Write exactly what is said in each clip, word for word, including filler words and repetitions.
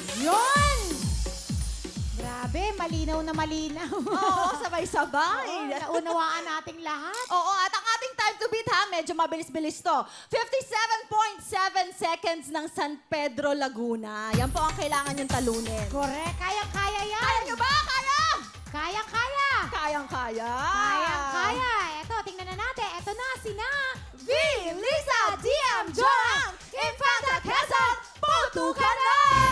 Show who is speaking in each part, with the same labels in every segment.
Speaker 1: Yun! Grabe, malinaw na malinaw.
Speaker 2: Oo, sabay-sabay.
Speaker 1: Naunawaan nating lahat.
Speaker 2: Oo, at ang ating time to beat ha, medyo mabilis-bilis to. fifty-seven point seven seconds ng San Pedro, Laguna. Yan po ang kailangan yung talunin.
Speaker 1: Correct. Kayang-kaya yan.
Speaker 2: Kaya nyo ba? Kaya!
Speaker 1: Kayang-kaya.
Speaker 2: Kayang-kaya.
Speaker 1: Kayang-kaya. Eto, tingnan na natin. Eto na, sina...
Speaker 2: V. Lisa D M Joang Infanta Quezon, boto ka na!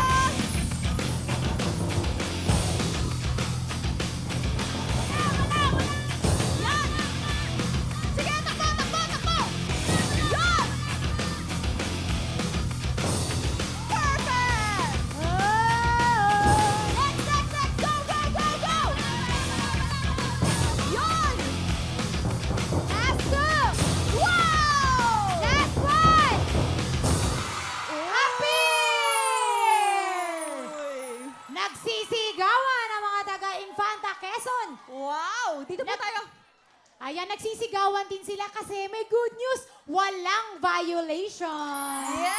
Speaker 2: Yan! Sige, takbo, takbo, takbo! Yan! Perfect! Next, next, next! Go, go, go, go! Yan!
Speaker 1: Last two.
Speaker 2: Wow!
Speaker 1: Last one. Happy! Nagsisigawan ang mga taga-Infanta Quezon.
Speaker 2: Wow! Dito po
Speaker 1: Nag-
Speaker 2: tayo.
Speaker 1: Ayan, nagsisigawan din sila kasi may good news. Walang violation.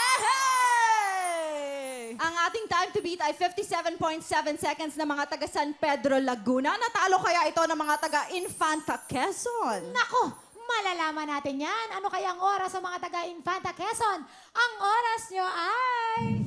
Speaker 2: Yay! Ang ating time to beat ay fifty-seven point seven seconds na mga taga San Pedro, Laguna. Natalo kaya ito ng mga taga Infanta Quezon?
Speaker 1: Nako, malalaman natin yan. Ano kaya ang oras sa mga taga-Infanta Quezon? Ang oras nyo ay...